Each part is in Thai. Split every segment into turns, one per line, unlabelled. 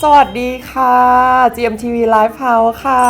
วัสดีค่ะ GMTV Live House ค่ะ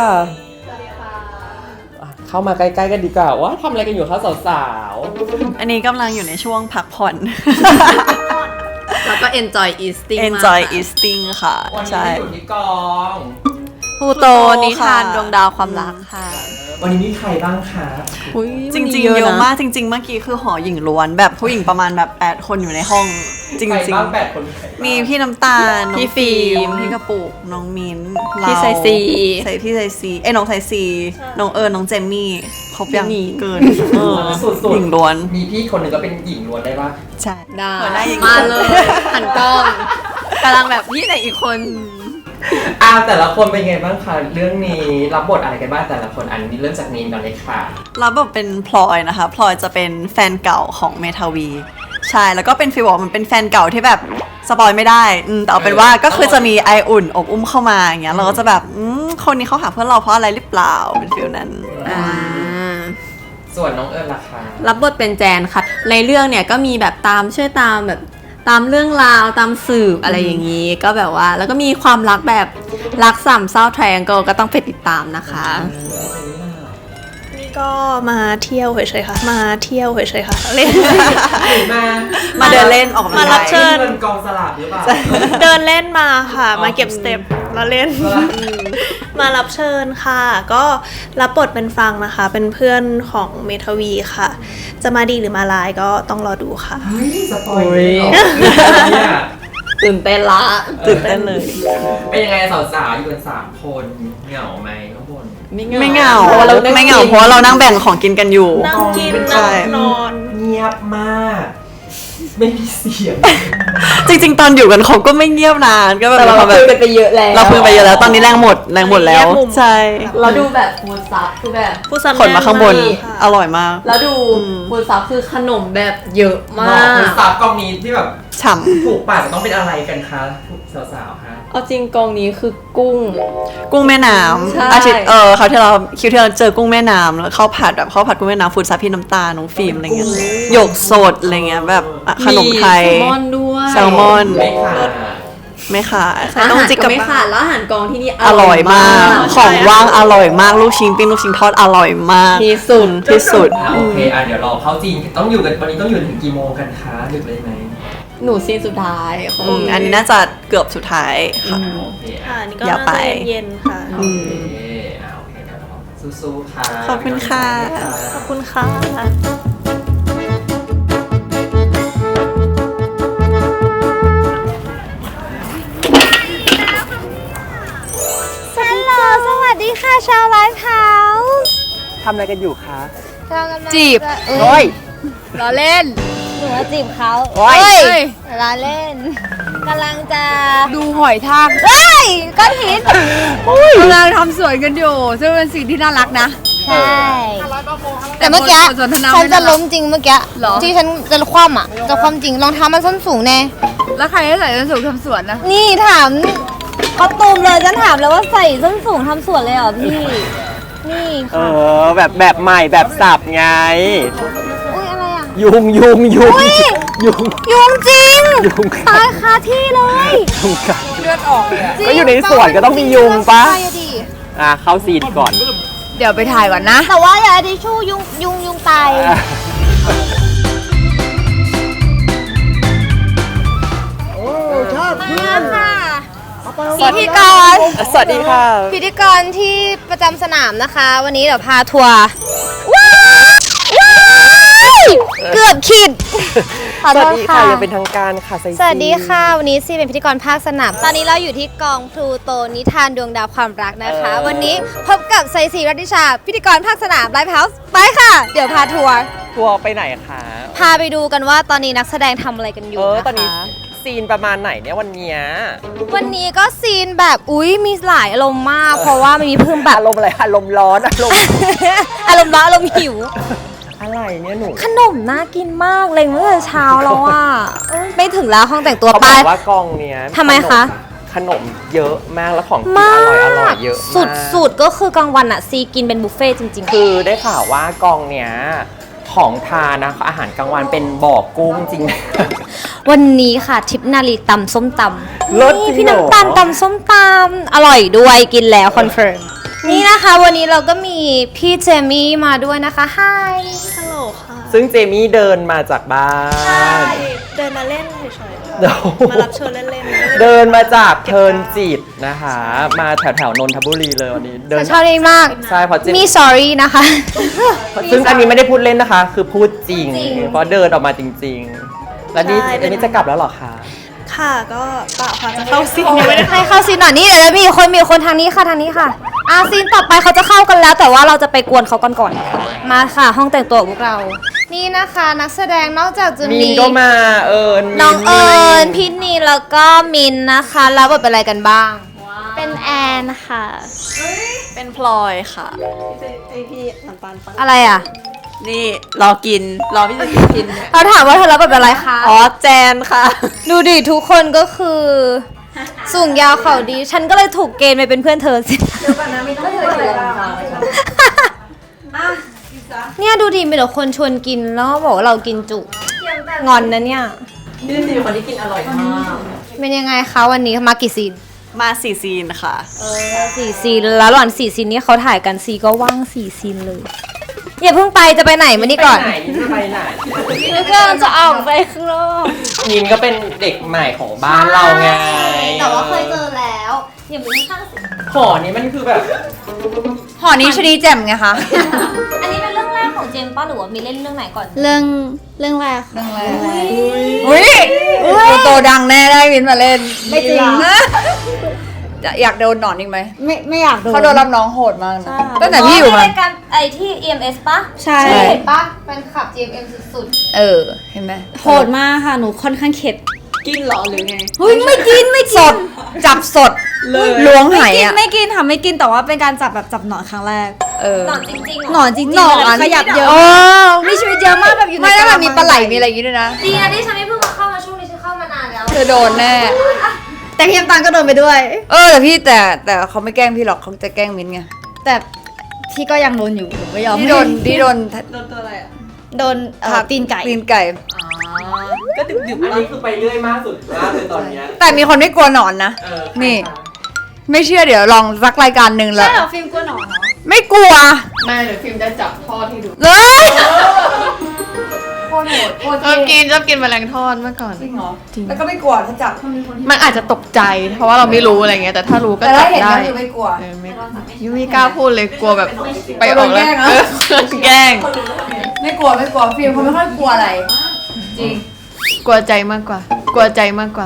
เข้ามาใกล้ๆกันดีกว่าว่าทำอะไรกันอยู่คะสาวๆ
อันนี้กำลังอยู่ในช่วงพักผ่อน
แล้วก็ enjoy eating
enjoy eating ค่ะ
วันนี้
ใช่
อยู่ที่กอง
พูโตนิทานดวงดาวความรักค่ะ
วันนี้มีใครบ้างคะ
จริงๆเยอะมากจริงๆเมื่อกี้คือหอหญิงล้วนแบบผู้หญิงประมาณแบบ8คนอยู่ในห้องจริ
ใครง บ้าง8 คน
ๆมีพี่น้ำตาลน้อง
พี่ฟิล์ม
พี่กระปุกน้องมิ้น
พี่ไซซี
พี่ไซซีน้องไซซีน้องน้องเจมมี่ครบยัง
หญิง
เกิน
สุด
หญิงล้วน
มีพี่คนหนึ่งก็เป็นหญิงล้วนได้ปะ
ใช่
ได้
หัวหน้าหญิง
มาเลยหันกล้องกำลังแบบพี่ไหนอีกคน
แต่ละคนเป็นไงบ้างคะเรื่องนี้รับบทอะไรกันบ้างแต่ละคนอันนี้เริ่มจากนีนก่อนเลยค่ะ
รับบทเป็นพลอยนะคะพลอยจะเป็นแฟนเก่าของเมทาวีใช่แล้วก็เป็นฟีลบอกมันเป็นแฟนเก่าที่แบบสปอยไม่ได้แต่เอาเป็นว่าก็คือจะมีไออุ่นอบอุ้มเข้ามาอย่างเงี้ยเราก็จะแบบคนนี้เขาหาเพื่อนเราเพราะอะไรหรือเปล่าเป็นฟีลนั้น
ส่วนน้องเอิญล่ะคะ
รับบทเป็นแจนค่ะ ในเรื่องเนี่ยก็มีแบบช่วยตามแบบตามเรื่องราวตามสืบอะไรอย่างนี้ ก็แบบว่าแล้วก็มีความรักแบบรักสามเศร้าไทรแองเกิลก็ต้องไปติดตามนะคะ
นี่ก็มาเที่ยวเฉยๆค่ะ มาเที่ยวเฉยๆค่ะ เล่น
มาเดินเล่นออกกำลัง
มารั
กา
บ
ย
เชิญ
เงินกองสลากหรือเปล่า
เดินเล่นมาค่ะ
อ๋อ
มาเก็บสเต็ปแล้วเล่น
เหรอ
มารับเชิญค่ะ ก็รับบทเป็นฟรังนะคะ เป็นเพื่อนของเมทาวีค่ะ จะมาดีหรือมาร้ายก็ต้องรอดูค่ะ
เฮ้ยสปอยเลยเหรอเนี่ย
ตื่นเต้นละ
ตื่นเต้นเลย
เป็นยังไงสาวๆอยู่กัน3 คนเหงาไหมข้างบน
ไม่เหงา
พระว่เรา
ไม่เหงาเพราะว่าเรานั่งแบ่งของกินกันอยู่
นั่งกิน
ใช่
นั่งนอน
เงียบมาก ไม่มีเสียง
จริงๆ ตอนอยู่กันเขาก็ไม่เงียบนานก็แบบ
แต่เรา
แบบ
คุยกันไปเยอะแล้ว
เราคุยไปเยอะแล้วตอนนี้แรงหมดแล้ว
แยกมุม
ใช่
เราดูแบบฟูดซับคือแบบ
ผู้สำ
ขนมาข้างบน
ค่ะ
อร่อยมาก
แล้วดูฟูดซับคือขนมแบบเยอะมา
คือก สาวกองนี้ที่แบบ
ฉ่
ถูกปากจะต้องเป็นอะไรกันคะสาวๆคะ
เอาจริงกองนี้คือกุ้ง
ำกุ้งแม่น้
ใช่
ำอาทิตย์เขาวที่เราคิวที่เราเจอกุ้งแม่น้ำแล้วข้าวผัดกุ้งแม่น้ำฟูดซับพี่น้ำตาลน้องฟิล์มอะไรเงี้ยหยกสดอะไรเงี้ยแบบขนมไทย
แซลมอนด้วย
แซลมอน
ไม่ขาด
ไม่ขาด
อา
ต้อง
หาร
จิก
ก็
กับ
ไม่ขาดแล้วอาหารกองที่นี่
อร่อยมาก ของว่างอร่อยมากลูกชิ้นปิ้งลูกชิ้นทอดอร่อยมาก
ที่สุด
ที่สุด
โอเคเดี๋ยวเราเข้าจีนต้องอยู่กันวันนี้ต้องอยู่ถึงกี่โมงกันคะดึกเลยไหม
หนูซีนสุดท้ายของ
อันนี้น่าจะเกือบสุดท้ายค่ะ
โอเค
ค่ะนี่ก็
อย่า
น่า
ไป
จะเย็นๆค่ะ
โอเคโอเคเดี๋ยวเราสู้ๆค่ะ
ขอบคุณค่ะ
ขอบคุณค่ะ
ฮัลโหลสวัสดีค่ะชาวไลฟ์เฮาส์
ทำอะไรกันอยู่คะ
เรากำลัง
จีบ
โอ้ย
ล้อเล่น
หนูว่าจีบเขา
โอ้ย
เราเล่นกำลังจะ
ดูหอยทาก
เฮ้ยก้อนหิน
กำลังทำสวนกันอยู่ซึ่งเป็นสิ่งที่น่ารักนะ
ใช่แต่เมื่อกี้
บทสนทนา
ฉัน
ไม่
จะ
น่ารัก
ล้มจริงเมื่อกี้
เหรอ
ที่ฉันจะคว่ำอ่ะจะคว่ำจริงรองเท้ามันส้นสูงแน่
แล้วใครให้ใส่ส้นสูงทำสวนนะ
นี่ถามเขาตูมเลยฉันถามเลยว่าใส่ส้นสูงทำสวนเลยเหรอพี่นี่ค่ะ
แบบใหม่แบบสับไง
อุ้ยอะไรอ่ะ
ยุง
อุ๊ย
ยุง
ยุงจริง
ยุง
ตายคาที่เลย
ยุงกัด
จริง
ก็อยู่ในสวนก็ต้องมียุงปะ
ใช่อดิ
เข้าซีนก่อน
เดี๋ยวไปถ่ายก่อนนะ
แต่ว่าอย่าทิชชู่ยุงตายมาค่ะพิธีกร
สวัสดีค่ะ
พิธีกรที่ประจำสนามนะคะ วันนี้เดี๋ยวพาทัวร์ว้ายเกือบขิดขอ
ส
โท
วัส
ษ
ดี
ค่ะ
ค่ะยังเป็นทางการค่ะไซซี
สวัสดีค่ะ วันนี้ซีเป็นพิธีกรภาคสนาม ตอนนี้เราอยู่ที่กองพลูโตนิทานดวงดาวความรักนะคะ วันนี้พบกับไซซีรัตติชา พิธีกรภาคสนามไลฟ์เฮาส์ไปค่ะ เดี๋ยวพาทัวร์
ทัวร์ไปไหนคะ
พาไปดูกันว่าตอนนี้นักแสดงทำอะไรกันอยู่นะ
ตอนนี้
คะ
ซีนประมาณไหนเนี่ยวันเนี้ย
วันนี้ก็ซีนแบบอุ๊ยมีหลายอารมณ์มาก เพราะว่ามันมีเพิ่มแบบ
อารมณ์อะไรอารมณ์ร้อนอารมณ์
อารมณ์ร้อนอารมณ์หิว
อะไรเนี่ยหนู
ขนมน่ากินมากเลยเมื่อเช้าแล้วอ่ะไม่ถึงแล้วห้องแต่งตัว
เขา
ไป
บอกว่ากองเนี้ย
ทำไมคะ
ขนมเยอะมากแล้วของกิน
มา
อร่อย
ก
เยอะมาก
สุดๆก็คือกลางวันอะซีกินเป็นบุฟเฟ่ต์จริงๆ
คือได้ข่าวว่ากองเนี้ยทของทานนะอาหารกลางวันเป็นบ่อกุ้งจริง
วันนี้ค่ะทิพย์นาลีตำส้มตำ
เลิศ
นี่
จริ
พี่
งเหรอ
น้ำตาลตำส้มตำอร่อยด้วยกินแล้วคอนเฟิร์มนี่นะคะวันนี้เราก็มีพี่เจมี่มาด้วยนะคะไฮ
ฮัลโหลค่ะ
ซึ่งเจมี่เดินมาจากบ้าน
เดินมาเล่นเฉยๆ
เดี๋ยว
มารับเชิญเล่นๆ
เดินมาจากเทิร์นจิตนะคะ มาแถวๆนนทบุรีเลยวันนี้เดิน
ชอบนี่มาก
ใช่เพราะเจ
มี
มี่
sorry นะคะ
ซึ่งอันนี้ไม่ได้พูดเล่นนะคะ คือพูดจริง
จริง
เพราะเดินออกมาจริง ๆ แล้วนี่เจมี่จะกลับแล้วเหรอคะ
ค่ะก็เปล่าค่ะจะเข้าซีนยังไม่ได้
ให้เข้าซีนหน่อยนี่เดี๋ยวมีคนทางนี้ค่ะทางนี้ค่ะซีนต่อไปเขาจะเข้ากันแล้ว แต่ว่าเราจะไปกวนเขาก่อนมาค่ะ ห้องแต่งตัวของพวกเรา นี่นะคะนักแสดงนอกจากจะ
มี
มี
นก็มามิ
น้องเอิญพี่นีแล้วก็มินนะคะแล้วบทเป็นอะไรกันบ้าง
เป็นแอนค่ะ
เป็นพลอยค่ะ
อะไรอ่ะ
นี่รอกินรอพี่จะกินเนี่ย
เราถามว่าเธอรับบทเป็นอะไรคะ
อ๋อแจนค่ะ
ดูดิทุกคนก็คือ สูงยาวเข่าดี ฉันก็เลยถูกเกณฑ์ไปเป็นเพื่อนเธอสิเนี่ยดูดิมีแต่คนชวนกินแล้วก็บอกว่าเรากินจุงอนนะเนี่ย
นี่สิคนที่กินอร่อยมาก
เป็นยังไงคะวันนี้มากี่ซีน
มา4 ซีนค่ะ
สี่ซีนแล้วระหว่างสี่ซีนนี้เขาถ่ายกันซีก็ว่างสี่ซีนเลยอย่าเพิ่งไปจะไปไหนมานี่ก่อน
ไปไหนจะไปไหน
แล้วก็จะออกไปข้างนอก
นินก็เป็นเด็กใหม่ของบ้านเราไง
แต่ว่าเคยเจอแล้วอย่าไปข้าง
หอนี้มันคือแบบ
หอนี้ชนีแจ่มไงคะ
อันนี้เป็นเรื่องแรกของเจมส์ป้าหรือว่ามีเล่นเรื่องไหนก่อน
เรื่องแรกค่ะ
อุ้ยโตดังแน่ได้วินมาเล่น ไม่จริงอยากโดนหนอนอีกไหม
ไม่อยากโดน
เขาโดนรับน้องโหดมากนะตั้งแต่พี่อยู่มา
รายการไอที่ EMS ปะ
ใช่
เห็นปะเป็นขับ GMM สุด
เห็นไหม
โหดมากค่ะหนูค่อนข้างเข็ด
กินหรอหรือไง
เฮ้ยไม่กินไม่
ส
กิน
ดจับสดล้วงไห
ไม่กิน
อ่ะ
ไม่กินค่ะไม่กินแต่ว่าเป็นการจับแบบจับหนอนครั้งแรก
ๆหนอนจริงๆ
หนอนจริงๆ
หนอน
แบบขยับเยอะ
โอ้
มีชีวิตเยอะมากแบบอยู่ใน
ไม่ได้แบบมี
กะ
ปลาไหลมีอะไรอย่างงี้ด้วยนะ
ดีนะที่ฉันไม่เพิ่งมาเข้ามาช่วงนี้ฉันเข้ามานานแล้ว
เธอโดนแน่
แต่พี่น้ำตาลก็โดนไปด้วย
แต่เขาไม่แกล้งพี่หรอกเขาจะแกล้งมิ้นไง
แต่พี่ก็ยังโดนอยู่หนูไม่ยอม
ที่โดน
โดนตีนไก่
ตีนไก่
ก็ดึกๆอันนี้คือไปเรื่อยมากสุดตอนเนี้ย
แต่มีคนไม่กลัวหนอนนะ นี่ ไม่เชื่อเดี๋ยวลองสักรายการหนึ่งแล้ว
ใช่เหรอฟิล์มกลัวหนอนเหรอ
ไม่กลัว
ไม่เดี๋ยวฟิล์มจะจับทอดให้ดู
เลย
ชอบกินแมลงทอดเมื่อก่อน
จริงเหรอแล้วก็ไม่กลัวถ้าจับ
มันอาจจะตกใจ เพราะว่าเราไม่รู้อะไรเงี้ย แต่ถ้ารู้ก็
แต่
จั
ถ้า
บ
เห็น
ได้
ก็คือไม่กลัว
ยูไม่กล้าพูดเลยกลัวแบบไปออกแล้ว
โดนแกล้งเหรอ
แกล้ง
ไม่กลัวฟิล์มเขาไม่ค่อยกลัวอะไร จริง
กลัวใจมากกว่า กลัวใจมากกว่า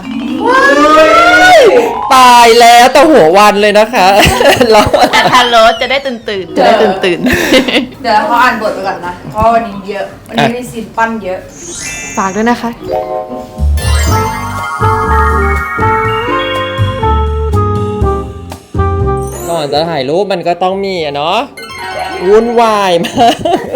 ตายแล้วแต่หัววันเลยนะคะ เรา
แต่ทานโรสจะได้ตื่นๆจะได้ตื่น
เดี๋ยวเขาอ่านบทไปก่อนนะ เพราะวันนี้เยอะ วันนี้มีซีนปั้นเยอะ
ๆฝากด้วยนะคะ
ก่อนจะถ่ายรูปมันก็ต้องมีอะเนาะวุ่นวายมาก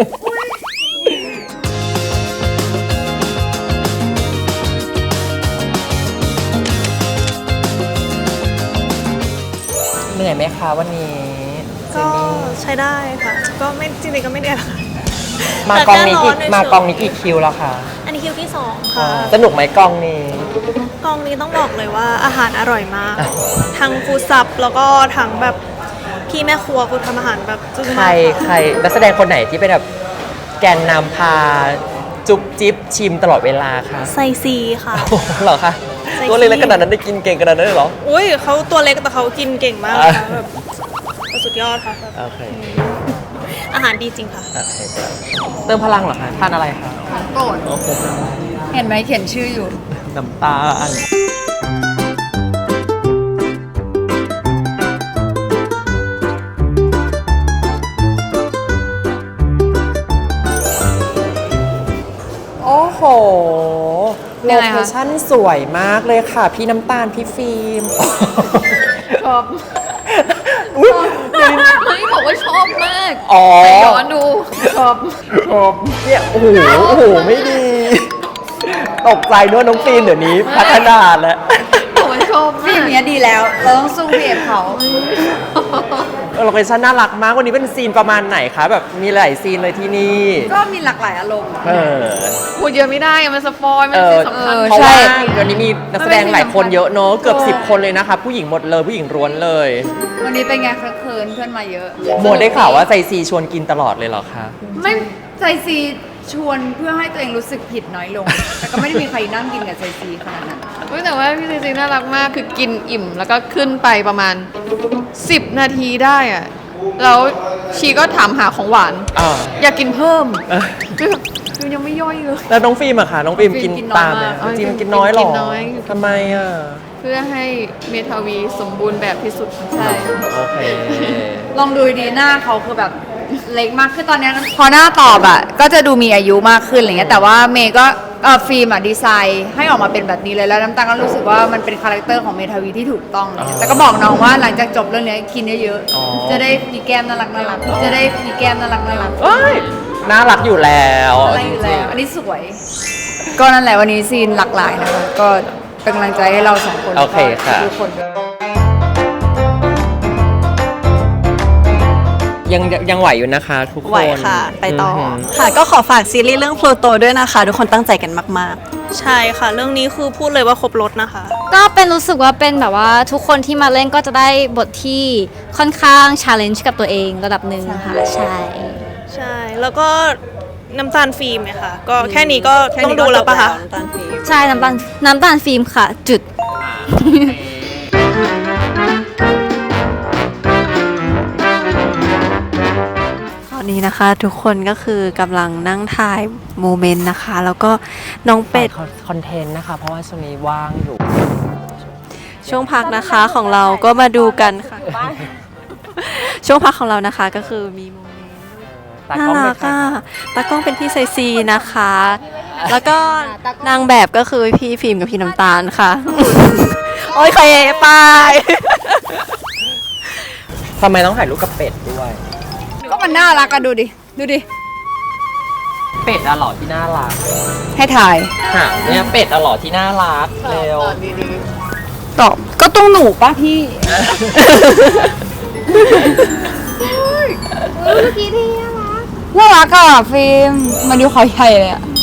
เหนื่อยไหมคะวันนี้เจ
ก็
มี่
ใช้ได้ค่ะ ก็ไม่จริงๆก็ไม่ได้ค่ะ
มากองนี้
แต่แค่ร้อนเฉยๆ
มากองนี้กี่คิวแล้วคะ
อันนี้คิวที่สองค่ะ
สนุกไหมกองนี้
กองนี้ต้องบอกเลยว่าอาหารอร่อยมาก ทั้งฟู้ดซับแล้วก็ทั้งแบบพี่แม่ครัวคือทำอาหารแบบจึ้ง
ใคร
มากค่ะ
ใครนักแสดงคนไหนที่เป็นแบบแกนนำพาจุ๊บจิ๊บชิมตลอดเวลาคะ
ไซซีค่ะ
โอ้โหเหรอคะ
ใส่
ตัวเล็กๆขนาดนั้นได้กินเก่งขนาดนั้นเลยเหรอ
อุ้ยเขาตัวเล็กแต่เขากินเก่งมากนะคะแบบสุดยอดค่ะแบบ
โอเค
อาหารดีจริงค่ะ
โอเคเติมพลังเหรอคะทานอะไรคะ
โกรธ
โอ้โห
เห็นไหมเขียนชื่ออยู่
น้ำตาอันโอ้โห โล
ยังไง
เค
คะ
ชั่นสวยมากเลยค่ะ พี่น้ำตาล พี่ฟิล์ม
ชอบ
อุ๊ย
เฮ้ยบอกว่าชอบมาก
อ๋อ
ไปย้อนดู ชอบ
เนี่ยโอ้โห โอ้โห ไม่ดี ตกใจด้วยน้องฟิล์มเดี๋ยวนี้พัฒนาแล้ว
บอกว่าชอบ
พี่
มาก
เนี้ยดีแล้ว เราต้องสู้พี่เอฟเขา
เโลเคชั่นน่ารักมากวันนี้เป็นซีนประมาณไหนคะแบบมีหลายซีนเลยที่นี่
ก็มีหลากหลายอารมณ์
เออ
พูดเยอะไม่ได้อะมันสปอยมันเป็นสำคัญ
เพราะว่าวันนี้มีนักแสดงหลายคนเยอะเนอะเกือบ10 คนเลยนะคะผู้หญิงหมดเลยผู้หญิงล้วนเลย
วันนี้เป็นไงเคลินเพื่อนมาเยอะ
โมได้ข่าวว่าใจซีชวนกินตลอดเลยเหรอคะ
ไม่ใจซีชวนเพื่อให้ตัวเองรู้สึกผิดน้อยลง แต่ก็ไม่ได้มีใครนั่งกินกับใจซีขนาดนั้นแต่ว่าพี่ใจซีน่ารักมากคือกินอิ่มแล้วก็ขึ้นไปประมาณ10 นาทีได้อะแล้วชีก็ถามหาของหวาน อยากกินเพิ่มคือยังไม่ย่อยเลย
แล้วน้องฟิล์มอะค่ะน้องฟิล์มกินตามไหม
ฟิล์มกินน้อยมาก
จริงกินน้อยหรอ
กินน้อย
ทำไมอะ
เพื่อให้เมทาวีสมบูรณ์แบบที่สุดใช่
โอเค
ลองดูดีหน้าเขาคือแบบเล็กมากคือตอนนี้พอหน้าตอบอ่ะก็จะดูมีอายุมากขึ้นอะไรเงี้ยแต่ว่าเมย์ก็ฟิล์มอ่ะดีไซน์ให้ออกมาเป็นแบบนี้เลยแล้วน้ำตาลก็รู้สึกว่ามันเป็นคาแรคเตอร์ของเมทาวีที่ถูกต้องเลยแต่ก็บอกน้องว่าหลังจากจบเรื่องนี้กินเยอะ
อ๋อ
ๆจะได้มีแก้มน่ารักจะได้มีแก้มน่ารัก
เอ้ยน่ารักอยู่แล้ว
อะไรอยู่แล้วอันนี้สวย ก็นั่นแหละวันนี้ซีนหลากหลายนะคะก็เป็นกำลังใจให้เราสองคน
โอเคค่ะ
ทุกคน
ยังไหวอยู่นะคะทุกคน
ไหวค่ะ ไปต่ออ
ม
ค่ะ ก็ขอฝากซีรีส์เรื่อง Pluto ด้วยนะคะ ทุกคนตั้งใจกันมาก
ใช่ค่ะ เรื่องนี้คือพูดเลยว่าครบรถนะคะ
ก็เป็นรู้สึกว่าเป็นแบบว่าทุกคนที่มาเล่นก็จะได้บทที่ค่อนข้างชาเลนจ์กับตัวเองระดับหนึ่งค่ะใช่
ใช่ แล้วก็น้ำตาลฟิล์มเนี่ยค่ะ ก็แค่นี้ก็
ๆ
ต้องดูแล้วปะคะ
น้ำตาลฟิล์ม
ใช่น้ำตาลฟิล์มค่ะ จุด
ตอนนี้นะคะทุกคนก็คือกำลังนั่งถ่ายโมเมนต์นะคะ แล้วก็น้องเป็ด
คอนเทนต์นะคะ เพราะว่าช่วงนี้ว่างอยู่
ช่วงพักนะคะของเราก็มาดูกันค่ะ ช่วงพักของเรานะคะก็คือมีโมเมนต์
ตา
น่าก
ล้อง
รั
เป็น
ก
ใคร
อ่ะตากล้องเป็นพี่ไซซีนะคะ แล้วก็นางแบบก็คือพี่ฟิล์มกับพี่น้ำตาลค่ะ โอ้ยใครไป
ทำไมต้องถ่ายรูปกับเป็ดด้วย
ก็มันน่ารักอะดูดิ
เป็ดอะหล่อที่น่ารัก
ให้ถ่าย
ค่ะเนี่ยเป็ดอะหล่อที่น่ารักเร็ว
ตอบก็ต้องหนูป่ะพี่ น่ารักอะฟิล์มมาดูเขาใหญ่เลยอะ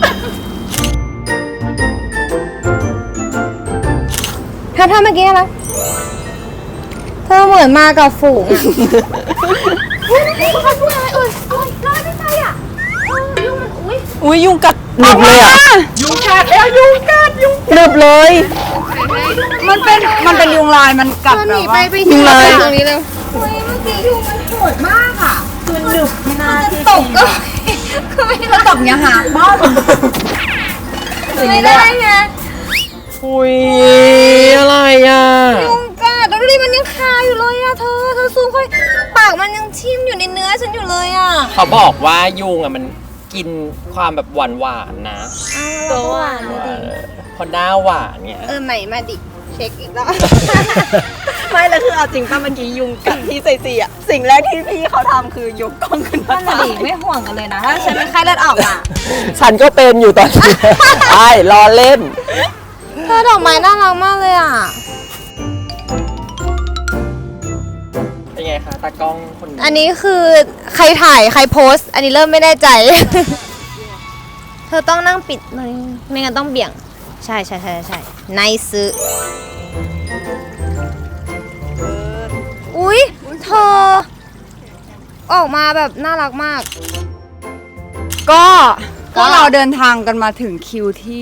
ถ้าเมื่อกี้นะเธอเหมือนมากับฝูง
อุ้ยยุงกัดหนึบเลยอ่ะ
ยุงกัดแล้วยุงกัดยุง
หนึบเลย
มันเป็นยุงลายมันกัดแบบว่า
ยุงลาย
ตรงนี้เลย ก็ตบเนี้ยหาบ้าไม่ได้ไง
อุ้ยอะไรอ่ะ
ยุงกัดแล้วดูดิมันยังคาอยู่เลยอะเธอซูมค่อยปากมันยังทิ่มอยู่ในเนื้อฉันอยู่เลยอะ
เขาบอกว่ายุงอ่ะมันกินความแบบหวานๆนะ
ตัวหวานเลยดิ
พอหน้าหวานเนี่ย
ใหม่มาดิเช็คอีกแล้ว
ไม่แล้วคือเอาจริงป่ะเมื่อกี้ยุงกัดพี่ไซซีอ่ะสิ่งแรกที่พี่เขาทำคือยกกล้องขึ้นมา
นั่นน่ะดิไม่ห่วงกันเลยนะถ้าฉันเป็นไข้เลือดออกอะ
ฉันก็เป็นอยู่ตอนนี้ ไอ้รอเล่น
เธอดอกไม้น่ารักมากเลยอะ
เป็นไงคะตากล้องคนนี้
อันนี้คือใครถ่ายใครโพสต์ อันนี้เริ่มไม่แน่ใจ เธอต้องนั่งปิดมันไม่งั้นต้องเบี่ยง ใช่ไนซ์อุ๊ย เธอ ออกมาแบบน่ารักมาก
ก็เราเดินทางกันมาถึงคิวที่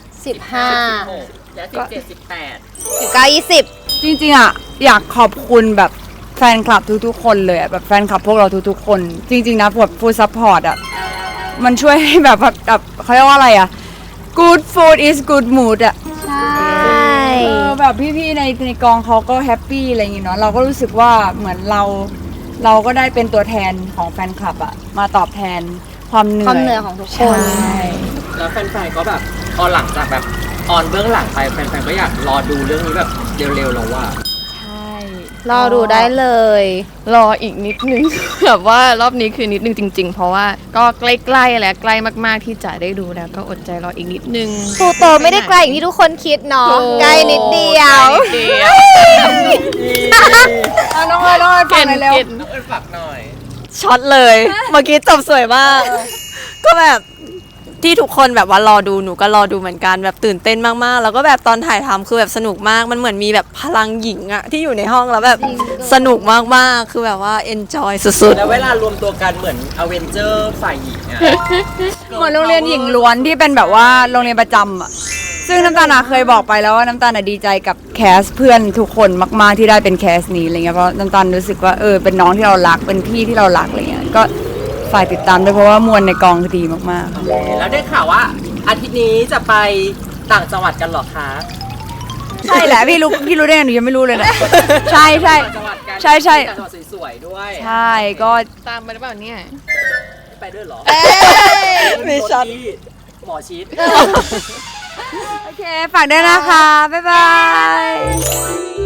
15
และ
19 20
จริงๆอ่ะอยากขอบคุณแบบแฟนคลับทุกๆคนเลยอะแบบแฟนคลับพวกเราทุกๆคน จริงๆนะแบบฟู้ดซัพพอร์ตอ่ะมันช่วยให้แบบเขาเรียกว่าอะไรอ่ะ good food is good mood อ่ะ
ใช่
แบบพี่ๆในกองเขาก็แฮปปี้อะไรอย่างงี้เนาะเราก็รู้สึกว่าเหมือนเราก็ได้เป็นตัวแทนของแฟนคลับอ่ะมาตอบแทนความเหนื่อย
ความเหนื่อยของทุกคน
ใช่
แล้วแฟนๆก็แบบพอหลังจากแบบออนเบื้องหลังไปแฟนๆก็อยากรอดูเรื่องนี้แบบเร็วๆแล้วว่า
ใช่
รอดูได้เลย
รออีกนิดนึง แบบว่ารอบนี้คือนิดนึงจริง ๆ เพราะว่าก็ใกล้ๆแล้วใกล้มากๆที่จะได้ดูแล้วก็อดใจรออีกนิดนึง
พลูโตไม่ได้ไกลอย่างที่ทุกคนคิดเนาะใกล้นิดเดียว
น้องเอ๋ยฝากหน่อยเร็ว
น้องเอิญฝากหน่อย
ช็อตเลย เมื่อกี้จบสวยมาก ก็แบบที่ทุกคนแบบว่ารอดูหนูก็รอดูเหมือนกันแบบตื่นเต้นมากๆ แล้วก็แบบตอนถ่ายทำคือแบบสนุกมากมันเหมือนมีแบบพลังหญิงอะที่อยู่ในห้องแล้วแบบสนุกมากๆคือแบบว่า enjoy สุด
แล้วเวลารวมตัวกันเหมือนอเวนเจอร์ฝ่ายหญิงอะ
เหมือนโรงเรียนหญิงล้วนที่เป็นแบบว่าโรงเรียนประจำอ่ะ ซึ่งน้ำตาลเคยบอกไปแล้วว่าน้ำตาลดีใจกับแคสเพื่อนทุกคนมากๆที่ได้เป็นแคสนี้อะไรเงี้ยเพราะน้ำตาลรู้สึกว่าเป็นน้องที่เรารักเป็นพี่ที่เรารักอะไรเงี้ยก็ฝ่ายติดตามด้วยเพราะว่ามวลในกองคือดีมากๆ
แล้วได้ข่าวว่าอาทิตย์นี้จะไปต่างจังหวัดกันเหรอคะ
ใช่แหละพี่รู้ได้ไงหนูยังไม่รู้เลยนะ ใช่ใช่
ต่างจังหวัดกัน
ใช่
ต่างจังหวัดสวยๆด้วย
ใช่ก็ตามไปหรือเปล่าเนี่ย
ไปด้วยเหรอ
มีช็อต
หมอชิด
โอเคฝากด้วยนะคะ บ๊ายบาย